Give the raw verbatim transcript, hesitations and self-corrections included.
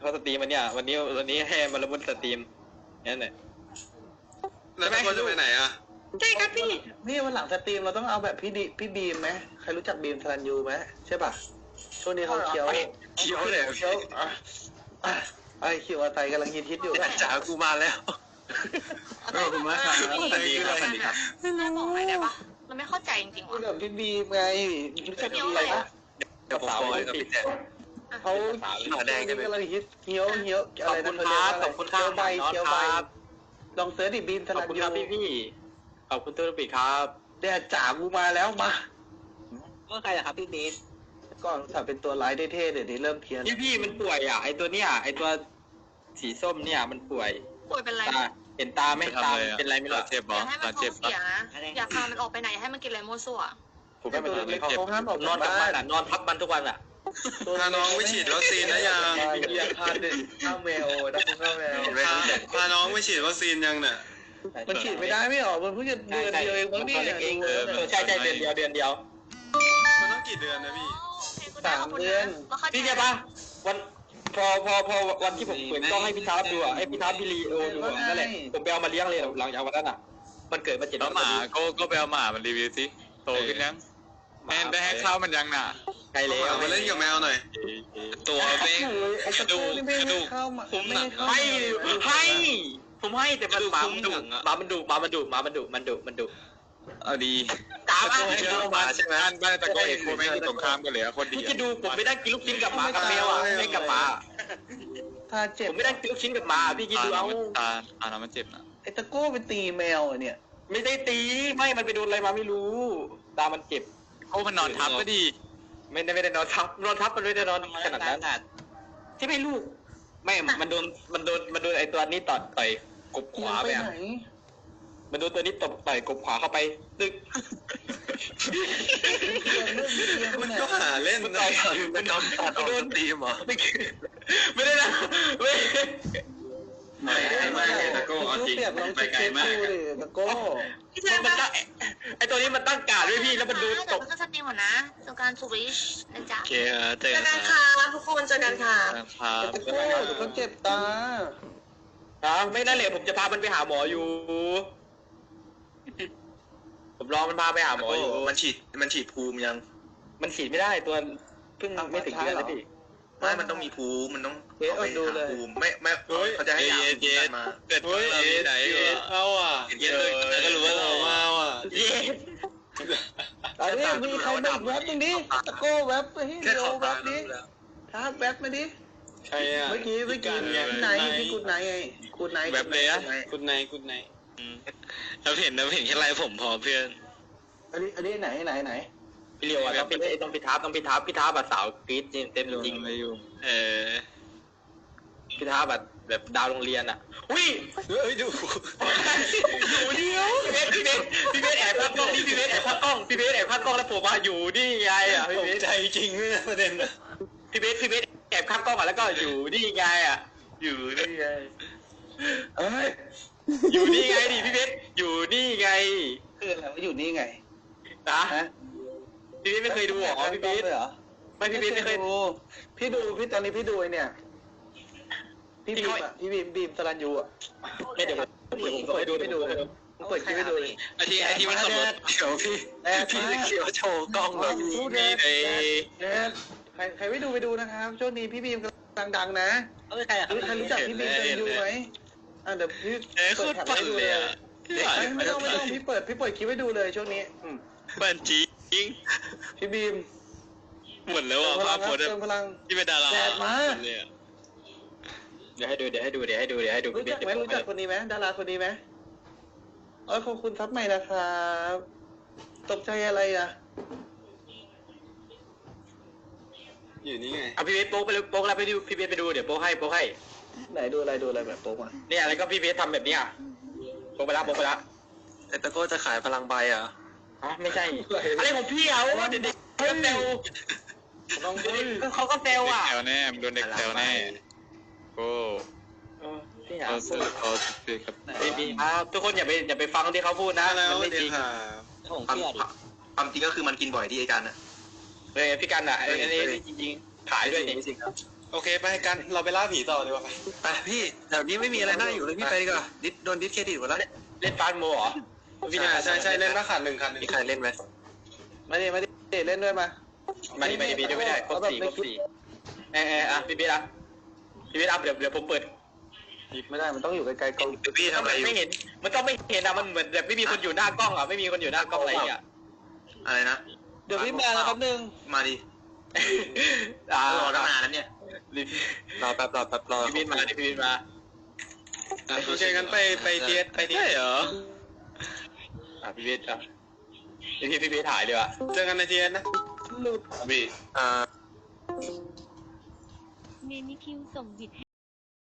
เขาสตรีมมันเนี่ยวันนี้วันนี้ให้มาระบุสตรีมนั่นแหละแล้วตะโกนจะไปไหนอ่ะใช่ครับพี่นี่วันหลังสตรีมเราต้องเอาแบบพี่ดิพี่บีมไหมใครรู้จักบีมทรันยูไหมใช่ป่ะช่วงนี้เขาเคี้ยวเคี้ยวเลยเคี้ยวไอ้เคี้ยวอะไรกำลังฮิตฮิตอยู่จ๋ากูมาแล้วขอบคุณมากครับสวัสดีครับสวัสดีครับแม่บอกหน่อยได้ปะเราไม่เข้าใจจริงๆว่ะแบบพี่บีมไงรู้จักบีมอะไรปะเดี๋ยวผมโอยกับพี่แจ๊เขาขาแดงกันกำลังฮิตเคี้ยวเคี้ยวอะไรนะเขาเรียกว่าอะไรเคี้ยวใบเคี้ยวใบลองเสิร์ชดิบีมทรันยูขอบคุณครับพี่พี่ขอบคุณตัวปีครับแดดจ๋ากูมาแล้วมาก็ใครอะครับพี่เบสก่อนถ้าเป็นตัวร้ายเท่ๆเดี๋ยวนี้เริ่มเพี้ยนพี่พี่มันป่วยอ่ะไอตัวเนี้ยไอตัวสีส้มเนี่ยมันป่วยป่วยเป็นไรเห็นตาไม่ตาเป็นไรไม่รู้เจ็บอย่าให้มันท้องเสียนะอย่าพามันออกไปไหนให้มันกินอะไรมั่วซั่วผมไม่ตัวเล็กเขาห้ามออกนอนกับมันอ่ะนอนทับมันทุกวันอ่ะพาน้องไปฉีดวัคซีนนะยังอย่าพาเด็กข้าวแมวนะข้าวแมวพาน้องไปฉีดวัคซีนยังเนี่ยมันฉีดไม่ได้ไม่หรอมันเพิ่งจะเดือนเดียวเองมั้งนี่เองเออใช่ใช่เดือนเดียวเดือนเดียวมันต้องกี่เดือนนะพี่สามเดือนพี่ใช่ปะวันพอพอพอวันที่ผมเปิดกล้องให้พี่ท้าดูอ่ะให้พี่ท้าพี่ลีโอดูนั่นแหละผมไปเอามาเลี้ยงเลยหลังจากวันนั้นอ่ะมันเกิดมาเจ็ดวันหมาก็ก็ไปเอาหมามันรีวิวสิโตขึ้นยังแม่ได้ให้ข้าวมันยังน่ะใครเลยเอามาเล่นกับแมวหน่อยตัวเบ้งกระดูกกระดูกผมให้ให้ผมให้แต่มันหมามันดุหมามันดุหมามันดุหมามันดุมันดุมันดุเอาดีตามอ่ะเชื่อมาใช่ไหมบ้านตะโกนเห็นคนไม่ที่ตรงข้ามกันเลยคนดีจะดูผมไม่ได้กินลูกชิ้นกับหมากับแมวอ่ะไม่กับหมาถ้าเจ็บผมไม่ได้กินลูกชิ้นกับหมาพี่กินดูเอาตาตาเรามันเจ็บนะไอ้ตะโก้ไปตีแมวเนี่ยไม่ได้ตีไม่มันไปโดนอะไรมาไม่รู้ตามันเจ็บโอ้มันนอนทับก็ดีไม่ได้ไม่ได้นอนทับนอนทับมันไม่ได้นอนขนาดนั้นที่ไม่ลูกไม่มันโดนมันโดนมันโดนไอ้ตัวนี้ต่อต่อยกบขวาไปอ่ะมันโดนตัวนี้ตบต่อยกบขวาเข้าไปตึกมันก็หาเล่นนะมันโดนตัดออกสตรีมเหรอไม่ได้นะไม่ไม่ไม่ตะโก้เอาจริงไปไกลมากตะโก้มันตั้งไอตัวนี้มันตั้งการด้วยพี่แล้วมันดูตกก็สตรีมหมดนะสงการทูริชนะจ๊ะโอเคเจอกันค่ะทุกคนเจอกันค่ะตะโก้เขาเจ็บตาอ่ะไม่นั่นแหละผมจะพามันไปหาหมออยู่ผมรอมันพาไปหาหมออยู่มันฉีดมันฉีดภูมิยังมันฉีดไม่ได้ตัวเพิ่งไม่ถึงเดือนเลยพี่ไม่มันต้องมีภูมิมันต้องเอาไปดูเลยภูมิไม่ไม่เขาจะให้ยาภูมิมาเกิดที่ไหนเขาอ่ะเย็นเลยก็รู้ว่าเรามาอ่ะเย็นตอนนี้มีใครแบบแวบตรงนี้ตะโก้แวบไปให้เร็วแวบนี้ท้าแวบมาดิใช่อ่ะเมื่อกี้เมื่อกี้ที่ไหนที่กุดไหนไงกุดไหนแวบเลยอ่ะกุดไหนกุดไหนเราเห็นเราเห็นแค่ไรผมพอเพื่อนอันนี้อันนี้ไหนไหนไหนพี่เลียวอ่ะต้องพี่ต้องพี่ทับต้องพี่ทับพี่ทับแบบสาวกรี๊ดเต็มจริงเลยอยู่เออพี่ทับแบบแบบดาวโรงเรียนอ่ะอุ้ยเฮ้ยดูอยู่เดียวพี่เบสพี่เบสพี่เบสแอบพักกล้องพี่เบสแอบพักกล้องพี่เบสแอบพักกล้องแล้วผมมาอยู่นี่ไงอ่ะพี่เบสใจจริงเลยประเด็นนะพี่เบสพี่เบสแอบพักกล้องอ่ะแล้วก็อยู่นี่ไงอ่ะอยู่นี่ไงเอ้ยอยู่นี่ไงดิพี่เบสอยู่นี่ไงคืออะไรว่าอยู่นี่ไงนะพี่เบสไม่เคยดูหรอพี่เบสไม่พี่เบสไม่เคยดูพี่ดูพี่ตอนนี้พี่ดูเนี่ยพี่บีมอ่ะพี่บีมบีมสรัญยูอ่ะไม่เดี๋ยวผมเปิดดูไปดูผมเปิดคลิปไปดูไอที่ไอที่มันขับรถเขียวพี่พี่เขียวโชว์กล้องแบบนี้นี่ไอใครใครไม่ดูไปดูนะครับช่วงนี้พี่บีมกำลังดังนะใครใครรู้จักพี่บีมสรัญยูไหมอ่ะเดี๋ยวพี่เปิดแผ่นให้ดูเลยไม่ต้องไม่ต้องพี่เปิดพี่เปิดคลิปให้ดูเลยช่วงนี้บัญชีพี่บีมหมดแล้วอ่ะภาพโพสที่เป็นดาราเนี่ยเดี๋ยวให้ดูเดี๋ยวให้ดูเดี๋ยวให้ดูเดี๋ยวให้ดูรู้จักไหมรู้จักคนนี้ไหมดาราคนนี้ไหมเออขอบคุณทับใหม่นะครับตกใจอะไรอ่ะอยู่นี่ไงเอาพี่เบสโป๊กไปเลยโป๊กแล้วไปดูพี่เบสไปดูเดี๋ยวโป๊กให้โป๊กให้ไหนดูอะไรดูอะไรแบบโป๊กมาเนี่ยอะไรก็พี่เบสทำแบบนี้อ่ะโป๊กไปละโป๊กไปละแต่ตะโก้จะขายพลังใบอ่ะอ๋อไม่ใช่อะไรของพี่เอาเด็กๆเขาเซลเขาก็เซลอ่ะแซวแน่โดนเด็กแซวแน่โอ้ที่หาพูดไม่ดีครับทุกคนอย่าไปอย่าไปฟังที่เขาพูดนะมันไม่จริงความจริงก็คือมันกินบ่อยที่ไอ้กันอ่ะเลยพี่กันอ่ะอันนี้จริงๆขายด้วยจริงๆครับโอเคไปกันเราไปล่าผีต่อดีกว่าไปไปพี่แถวนี้ไม่มีอะไรน่าอยู่เลยพี่ไปดีกว่าดิสโดนดิสเครดิตหมดแล้วเล่นฟาสโมเหรอใช่ใช่ใช่เล่นมาขาดหนึ่งคันมีใครเล่นไหมมาดิมาดิเล่นด้วยมามาดิมาดิบีด้วยไม่ได้ครบสี่ครบสี่เออเอออ่ะพี่บีอ่ะพี่บีอ่ะเดี๋ยวเดี๋ยวผมเปิดไม่ได้มันต้องอยู่ไกลๆกล้องเดี๋ยวพี่ทำอะไรอยู่ไม่เห็นมันต้องไม่เห็นอะมันเหมือนแบบไม่มีคนอยู่หน้ากล้องอะไม่มีคนอยู่หน้ากล้องอะไรอย่างเงี้ยอะไรนะเดี๋ยวพี่มาแล้วครับหนึ่งมาดิอ่ารอตั้งนานแล้วเนี่ยรอแป๊บรอแป๊บรอพี่บีมาพี่บีมาโอเคงั้นไปไปเทียไปเทียเหรออ่ะพี่บีอ่ะพี่พี่บีถ่ายดีกว่าเจอกันในเทียนนะบีอ่าเมนิคิวส่งบิดให้